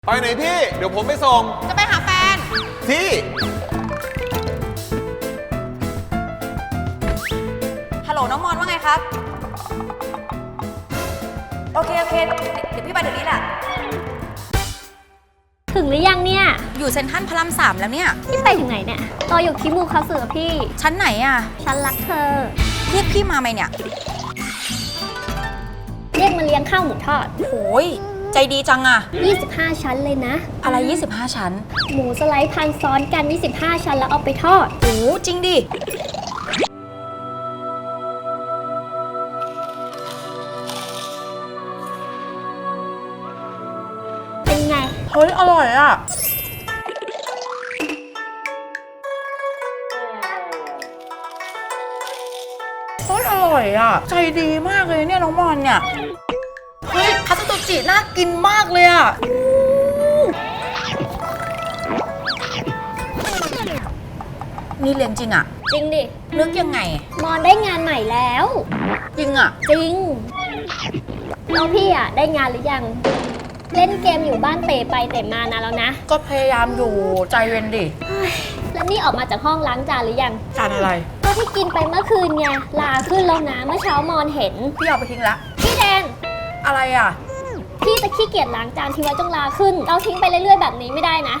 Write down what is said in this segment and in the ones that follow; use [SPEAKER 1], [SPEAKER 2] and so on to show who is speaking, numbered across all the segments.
[SPEAKER 1] ไปไหนพี่เดี๋ยวผมไปส่ง
[SPEAKER 2] จะไปหาแฟน
[SPEAKER 1] พี่
[SPEAKER 2] ฮัลโหลน้องมอนว่าไงครับโอเคเดี๋ยวพี่ไปเดี๋ยวนี้แหละ
[SPEAKER 3] ถึงหรือยังเนี่ย
[SPEAKER 2] อยู่เซ็นทรัลพระราม3แล้วเนี่ย
[SPEAKER 3] พี่ไปถึงไหนเนี่ยรออยู่คิมูคาสึกับพี่
[SPEAKER 2] ชั้นไหนอ่ะ
[SPEAKER 3] ฉันรักเธอ
[SPEAKER 2] เรียกพี่มาไหมเนี่ย
[SPEAKER 3] เรียกมาเลี้ยงข้าวหมูทอด
[SPEAKER 2] โอ้ยใจดีจังอ่ะ
[SPEAKER 3] 25 ชั้นเลยนะ
[SPEAKER 2] อะไร25 ชั้น
[SPEAKER 3] หมูสไลด์พันซ้อนกัน25 ชั้นแล้วเอาไปทอด
[SPEAKER 2] โอ้จริงดิ
[SPEAKER 3] เป็นไง
[SPEAKER 2] เฮ้ยอร่อยอ่ะเฮ้ยอร่อยอ่ะใจดีมากเลยเนี่ยน้องมอนเนี่ยเฮ้ยคัตสึโตจิน่ากินมากเลยอ่ะนี่เรียนจริงอ่ะ
[SPEAKER 3] จริงดิ
[SPEAKER 2] นึกยังไง
[SPEAKER 3] มอนได้งานใหม่แล้ว
[SPEAKER 2] จริงอ่ะ
[SPEAKER 3] จริงแล้วพี่อ่ะได้งานหรือยังเล่นเกมอยู่บ้านเตะไปเตะมานานแล้วนะ
[SPEAKER 2] ก็พยายามอยู่ใจเย็นดิ
[SPEAKER 3] แล้วนี่ออกมาจากห้องล้างจานหรือยัง
[SPEAKER 2] จานอะไร
[SPEAKER 3] ก็ที่กินไปเมื่อคืนไงลาขึ้นแล้วนะเมื่อเช้ามอนเห็น
[SPEAKER 2] พี่เอาไปทิ้งละ
[SPEAKER 3] พี่แดน
[SPEAKER 2] อะไรอ่ะ
[SPEAKER 3] พี่จะขี้เกียจล้างจานทีไว้จงลาขึ้นเราทิ้งไปเรื่อยๆแบบนี้ไม่ได้นะ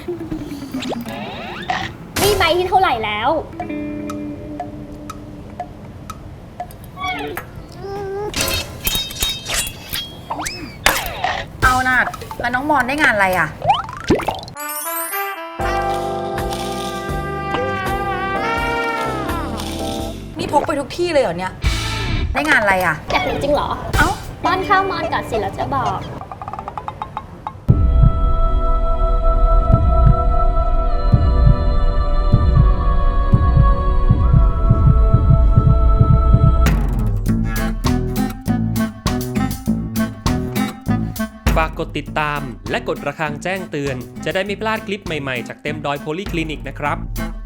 [SPEAKER 3] นี่ใบที่เท่าไหร่แล้ว
[SPEAKER 2] เอาน่ะแล้วน้องมอนได้งานอะไรอ่ะนี่พกไปทุกที่เลยเหรอเนี่ยได้งานอะไรอ่ะ
[SPEAKER 3] อยากรู้จริงเหรอ
[SPEAKER 2] เอ้า
[SPEAKER 3] ป้อนข้าวมอนก่อนสิเราจะบอก
[SPEAKER 4] ฝากกดติดตามและกดระฆังแจ้งเตือนจะได้ไม่พลาดคลิปใหม่ๆจากเต็มดอยโพลีคลินิกนะครับ